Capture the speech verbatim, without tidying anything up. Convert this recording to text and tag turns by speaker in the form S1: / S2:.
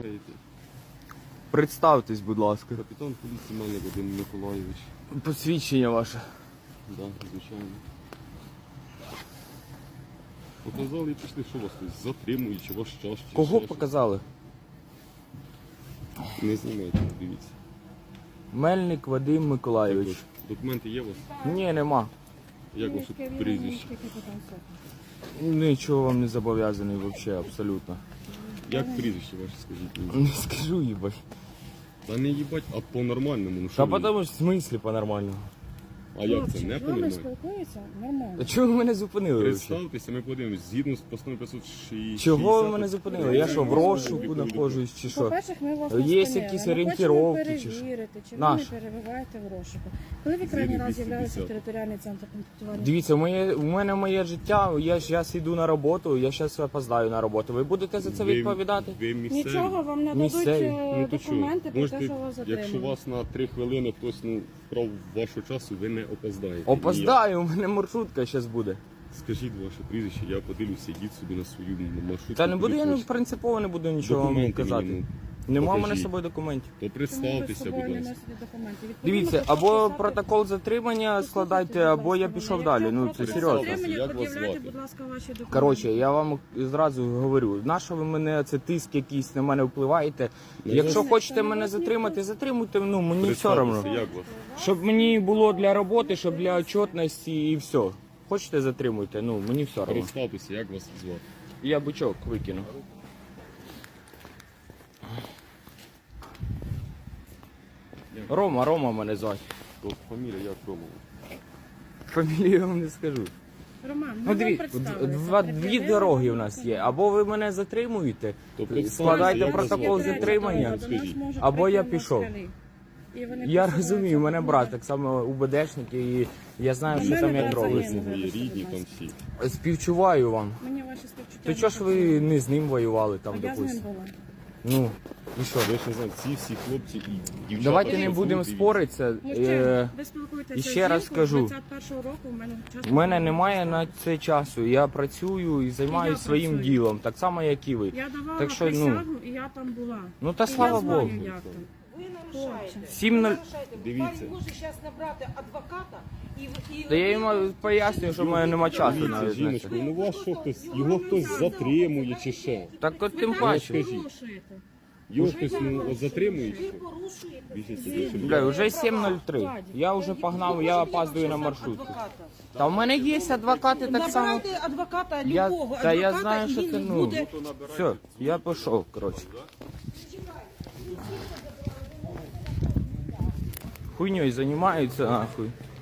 S1: бігаєте?
S2: Представтесь, будь ласка.
S1: Капітан поліції Мельник Вадим Миколайович.
S2: Посвідчення ваше.
S1: Так, да, звичайно. Показали і пішли, що вас хтось затримує, чи ваш час, чи
S2: Кого
S1: ще
S2: показали?
S1: щось. Не знімайте, дивіться.
S2: Мельник Вадим Миколайович.
S1: Так от, документи є у вас?
S2: Ні, нема.
S1: Як ваше прізвище?
S2: Нічого вам не зобов'язаний взагалі, абсолютно.
S1: Як прізвище ваше, скажіть мені?
S2: Не скажу, їбать.
S1: Та не їбать, а по-нормальному. Ну,
S2: Та
S1: що ви?
S2: потому що в смислі по-нормальному.
S1: А як це, не
S3: З вами
S1: по-нормальному?
S3: спілкуються нормально.
S2: Та чого ви мене зупинили? взагалі?
S1: Представтеся, ми подивимось, згідно з постановою п'ятсот шістдесят.
S2: Чого ви мене зупинили? Я що, в розшуку знаходжусь чи що?
S3: По-перше, ми вас не
S2: Є
S3: спинили.
S2: якісь
S3: Ми
S2: орієнтировки
S3: хочемо
S2: чи що?
S3: перевірити, чи ви
S2: Наш.
S3: не перебуваєте в розшуку. Коли ви крайній раз з'являлися в територіальний центр комплектування?
S2: Дивіться, моє, у мене моє життя, я зараз йду на роботу, я зараз опоздаю на роботу. Ви будете за це
S1: Ви-
S2: відповідати?
S1: Ви місцеві.
S3: Нічого вам не дадуть
S2: Місцеві.
S3: е,
S1: Ну то що,
S3: документи про те,
S1: можете,
S3: що вас
S1: якщо
S3: затримали.
S1: вас на три хвилини хтось ну, вкрав вашого часу, ви не опоздаєте. Ні.
S2: Опоздаю, у мене маршрутка зараз буде.
S1: Скажіть ваше прізвище, я подивлюся, йдіть собі на свою маршрутку.
S2: Та не буду,
S1: куди
S2: я ну,
S1: хочете.
S2: принципово не буду нічого вам
S1: Документи
S2: казати.
S1: мені,
S2: Нема в мене
S1: покажіть.
S2: з собою документів.
S1: То
S3: Чому ви з
S1: представтеся,
S3: собою
S1: будь
S3: не
S1: ласка.
S3: носите документи? Відповідно,
S2: Дивіться,
S3: п'ятсот
S2: або
S3: шістдесят
S2: протокол затримання складайте,
S3: Послухайте, будь
S2: або я
S3: ласка,
S2: пішов
S3: мене.
S2: далі.
S3: Якщо
S2: Ну це
S3: протокол
S2: серйозно.
S3: затримання,
S1: Як вас
S3: пред'являйте,
S1: звати?
S3: будь ласка, ваші документи.
S2: Коротше, я вам зразу говорю, на що ви мене, це тиск якийсь на мене впливаєте. Якщо
S3: Ні,
S2: хочете
S3: це не
S2: мене
S3: вас
S2: затримати,
S3: ніхто.
S2: затримуйте, ну мені все
S1: Представтеся,
S2: одно.
S1: як вас?
S2: Щоб мені було для роботи, щоб для отчетності і все. Хочете затримуйте, ну мені все одно.
S1: Представтеся, як вас звати?
S2: Я бичок викину. Рома, Рома мене звати.
S1: То фамілія як Ромова?
S2: Фамілію я вам не скажу.
S3: Роман, ми
S2: Ну
S3: вам
S2: диві,
S3: представилися.
S2: два, дві
S3: Пред'явили
S2: дороги
S3: вам
S2: в нас є.
S3: документи.
S2: Або ви мене затримуєте,
S1: То представтеся,
S2: складайте
S1: як вас
S2: протокол
S1: звати?
S2: затримання.
S3: До нас
S1: Скажіть.
S3: можуть
S2: Або я
S3: прийти
S2: пішов.
S3: москалі. І вони
S2: Я
S3: посилаються
S2: розумію, у мене
S3: на
S2: брат
S3: мене.
S2: так само УБДшник, і я знаю,
S3: У
S2: що
S3: мене
S2: там як
S3: брат
S2: робиться.
S3: загинув.
S1: Мої рідні там всі.
S2: Співчуваю вам.
S3: Мені ваші співчуття.
S2: То
S3: не
S2: чого ж ви
S3: потрібні.
S2: не з ним воювали там,
S3: А я з ним
S2: допустим?
S3: була.
S2: Ну, і що?
S1: Ви ж не знаєте, ці всі хлопці і дівчата.
S2: Давайте не
S1: що
S2: будемо
S1: тут, і-
S2: споритися.
S3: Мужчина,
S2: Е,
S3: ви спілкуєтеся
S2: і
S3: з
S2: ще раз
S3: жінкою,
S2: скажу.
S3: двадцять першого року у мене час.
S2: У мене немає на це часу. Я працюю і займаюся
S3: я
S2: своїм
S3: працюю.
S2: ділом, так само, як і ви.
S3: Я давала
S2: Так що, ну,
S3: присягу, і я там була.
S2: Ну та
S3: І
S2: слава
S3: я знаю,
S2: Богу.
S3: як там.
S4: Ви нарушаєте.
S2: Сім нуль.
S1: Дивіться.
S4: Пан може зараз набрати адвоката і... і
S2: Та я йому пояснюю, що в мене нема часу
S1: Дивіться,
S2: навіть на
S1: жіночко,
S2: це.
S1: ну вас що хтось, його хтось затримує чи ще?
S2: Так от тим
S3: Ви
S2: паче.
S1: скажіть.
S3: порушуєте.
S1: Його хтось ну, от затримує чи
S4: ви
S1: що?
S4: порушуєте.
S1: Біжіть сюди, щоб
S2: Бля, вже сім нуль три. Я вже погнав, я опаздую на маршрутку. Та в мене є адвокати так само.
S4: Набирайте адвоката
S2: Я,
S4: любого,
S2: та я
S4: адвоката,
S2: знаю,
S4: і
S2: що
S4: він
S2: це, ну,
S4: буде...
S2: все, я пішов, коротше. Хуйньою займаються, нахуй.